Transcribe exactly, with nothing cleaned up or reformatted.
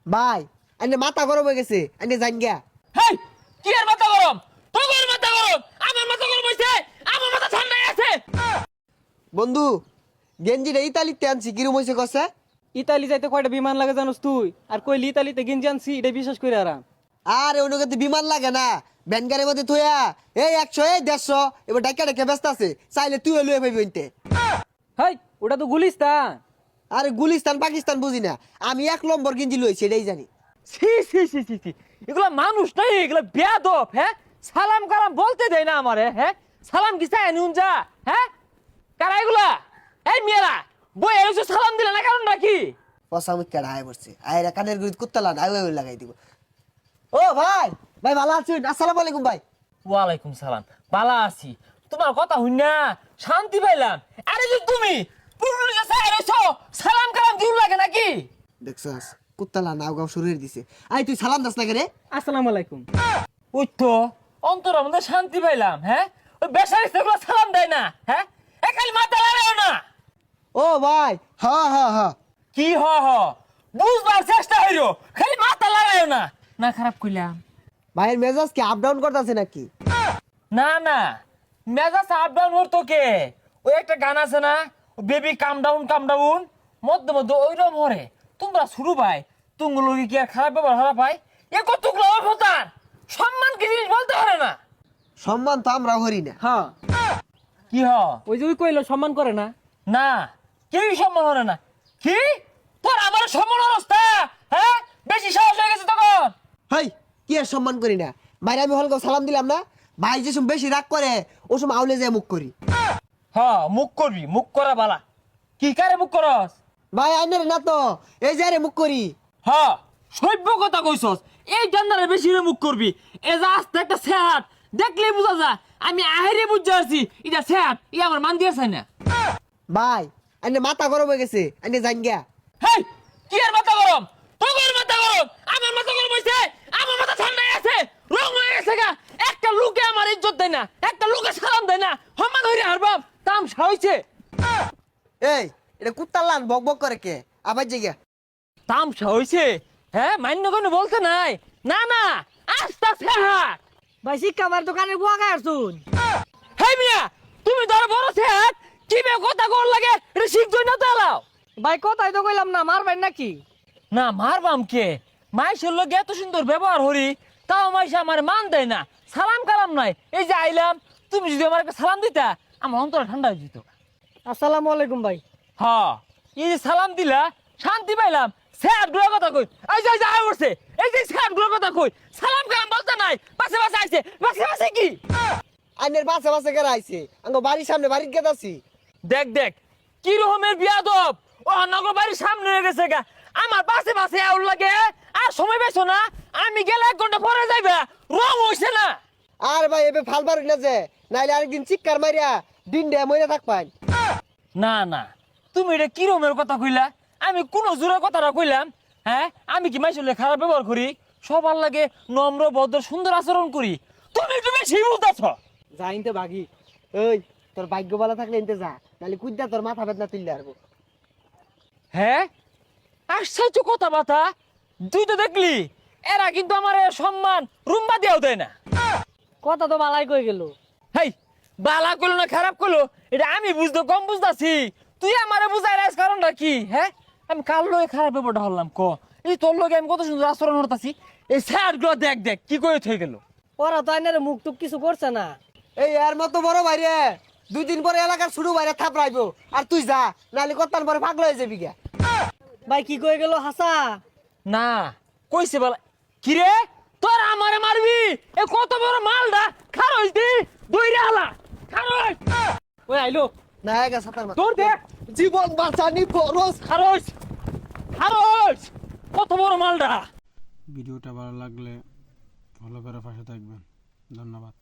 ভাই এনে মাথা গরম হয়ে গেছে, এনে জান গিয়া। হেই, কি আর মাথা গরম? তোর মাথা গরম, আমার মাথা গরম হইছে, আমার মাথা ঠান্ডায় আছে। বন্ধু গেঞ্জিটা ইতালিতে আনছি, কিরম হয়েছে কষে? ইতালি যাইতে কয়টা বিমান লাগে জানোস তুই? আর কইলি ইতালিতে গেঞ্জি আনছি, এটা বিশ্বাস করে আরাম। আর অনুগত বিমান লাগে না, ব্যানগারের মধ্যে থইয়া এই একশো এই দেড়শো এবার ডাক্কা ডাক্কা ব্যস্ত আছে, চাইলে তুই লুয়ে পাবি ওইতে। হাই, ওটা তো গুলিস্তান। আরে গুলিস্তান পাকিস্তান বুঝি না, আমি এক নম্বর গেঞ্জি লইছি এটাই জানি। ছি ছি ছি ছি ছি, এগুলা মানুষ নাই, এগুলা বেয়াদব। হ্যাঁ, সালাম কালাম বলতে দেয় না আমারে। হ্যাঁ, সালাম কি চাই নুন যা? হ্যাঁ, কারা এগুলা? এই মেয়েরা বই এসে সালাম দিলে না, কারণটা কি? পচা মুখ কেডা আয় পড়ছে, আয়রা কানের গুড়ি কুত্তালান আয় আয় লাগাই দিব। ও ভাই, ভাই ভালো আছেন? আসসালামু আলাইকুম ভাই। ওয়ালাইকুম সালাম, বালা আছি। তোমার কথা হই না, শান্তি পাইলাম। আরে যে তুমি পুরুলিয়া কাছে আইছো, সালাম কালাম দিউ লাগে নাকি? দেখছাস কুত্তালা নাও গাও শুরু হয়ে দিছে। আই তুই সালাম দাস না কে রে? আসসালামু আলাইকুম। ওই তো অন্তর আমাদের শান্তি পাইলাম। হ্যাঁ, ওই বেসারিস্তা গুলো সালাম দেয় না। হ্যাঁ, একালি মাথা লাগাও না। ও ভাই হ হ হ, কি হ হ, বুঝবার চেষ্টা হইলো, খালি মাথা লাগাও না। না খারাপ কইলাম? ভাইয়ের মেজাজ কি আপ ডাউন করতেছে নাকি? না না, মেজাজ আপ ডাউন হতো কে? ওই একটা গান আছে না, baby come down come down, মধ্যে মধ্যে ওইরকম হরে। তোমরা শুরু ভাই, তুমগুলো কি আর খারাপ ব্যবহার খারাপ ভাই? এ কতগুলো অভতার, সম্মান কি জিনিস বলতে পারে না। সম্মান তো আমরা হরি না। হ্যাঁ, কি হ? ওই যে ওই কইলো সম্মান করে না। না, কেউই সম্মান হরে না। কি তোর আমার সম্মান অবস্থা? হ্যাঁ, বেশি সাহস হয়ে গেছে তখন। হাই কি আর সম্মান করি না? বাইরে আমি হলকে সালাম দিলাম না, ভাই যে সময় বেশি রাগ করে ও সময় আউলে যায় মুখ করি। হ্যাঁ, মুখ করবি, মুখ করা বালা। কি কারে মুখ করস? ভাই আইনের না তো, এই যে রে মুখ করি। হ্যাঁ, সভ্য কথা কইছস। এই জান্নারে বেশি রে মুখ করবি। এ যা আস্তে একটা সেহাত দেখলেই বুঝা যা, আমি আহেরে বুঝতে পারছি এটা সেহাত, ই আমার মান দিয়েছে না। ভাই আইনে মাথা গরম হয়ে গেছে, আইনে জান গিয়া। হেই, কি আর মাথা গরম? তোর মাথা গরম, আমার মাথা গরম হইছে, আমার মাথা ঠান্ডায় আছে, রং হয়ে গেছে গা। একটা লোকে আমার ইজ্জত দেয় না, একটা লোকে সালাম দেয় না, সম্মান হইরে হারবাম, তামসা হইছে। এই এটা কুত্তার লান বক বক করে কে? আবার যে গিয়া তামসা হইছে। হ্যাঁ, মান্য কোনো বলতে নাই। না না, আস্তা সেহাত। ভাই শিক্ষা আমার দোকানে বুয়া খায় আসুন। হেই মিয়া, তুমি ধর বড় সেহাত, কি বে কথা কর লাগে, এটা শিখছই না তো এলাও। ভাই কথাই তো কইলাম না, মারবেন নাকি? না মারবাম কে? মাইশের লোক এত সুন্দর ব্যবহার হরি, তাও মাইশে আমার মান দেয় না, সালাম কালাম নাই। এই যে আইলাম, তুমি যদি আমার একটা সালাম দিতা, আমার অন্তর ঠান্ডা হয়ে যেত। আসসালামু আলাইকুম ভাই। হ্যাঁ, এই যে সালাম দিলা, শান্তি পাইলাম। স্যার গুলোর কথা কই, এই যে আয় উঠছে, এই যে স্যার গুলোর কথা কই, সালাম কালাম বলতে নাই, পাশে পাশে আইছে, পাশে পাশে কি? আইনের বাসে বাসে কেরা আইছে, আঙ্গ বাড়ির সামনে বাড়ির গেত আছি। দেখ দেখ, কি রকমের বিয়াদব। ও নগর বাড়ির সামনে হয়ে গেছে গা, আমার পাশে পাশে আউল লাগে। আর সময় পেছো না, আমি গেলে এক ঘন্টা পরে যাইবা, রং হইছে না। আর ভাই এবে ফাল বাড়ি না যে, নাইলে আরেকদিন চিৎকার মারিয়া দিন ডে মইরা থাক পাই। না না, তুমি এটা কি রকমের কথা কইলা? আমি কোন জোরের কথাটা কইলাম? হ্যাঁ, আমি কি মাইসলে খারাপ ব্যবহার করি? সবার লাগে নম্র ভদ্র সুন্দর আচরণ করি। তুমি একটু বেশি বলতেছ। যাইতে বাগি। ওই তোর ভাগ্য ভালো থাকলে এনতে যা, নাহলে কুদ্দা তোর মাথা বেদনা তুললে আরবো। হ্যাঁ, আশ্চর্য কথা বাতা। তুই তো দেখলি, এরা কিন্তু আমার সম্মান রুম্বা দিয়েও দেয় না। কথা তো বালাই কই গেল। হেই, বালা করলো না খারাপ করলো, এটা আমি বুঝতে কম বুঝতাছি। তুই আমারে বুঝাই রাখ কারণটা কি? হ্যাঁ, আমি কার লগে খারাপ ব্যাপারটা হলাম ক? এই তোর লগে আমি কত সুন্দর আচরণ করতেছি, এই স্যার গুলো দেখ দেখ কি করে থয়ে গেল। ওরা তো আইনারে মুখ টুক কিছু করছে না। এই এর মতো বড় বাইরে দুই দিন পরে এলাকার শুরু বাইরে থাপড়াইবো, আর তুই যা, নাহলে কত্তান পরে পাগল হয়ে যাবি গা। ভাই কি কই গেল হাসা? না কইছে বলা কি রে, তোর আমারে মারবি? এ কত বড় মালডা খারইস দি দইরে হালা খারইস। ওই আইলো। না গা সাতার মাথা তোর দেখ, জীবন বাঁচানি ফরজ। খারইস খারইস, কত বড় মালডা। ভিডিওটা ভালো লাগলে ফলো করে পাশে থাকবেন। ধন্যবাদ।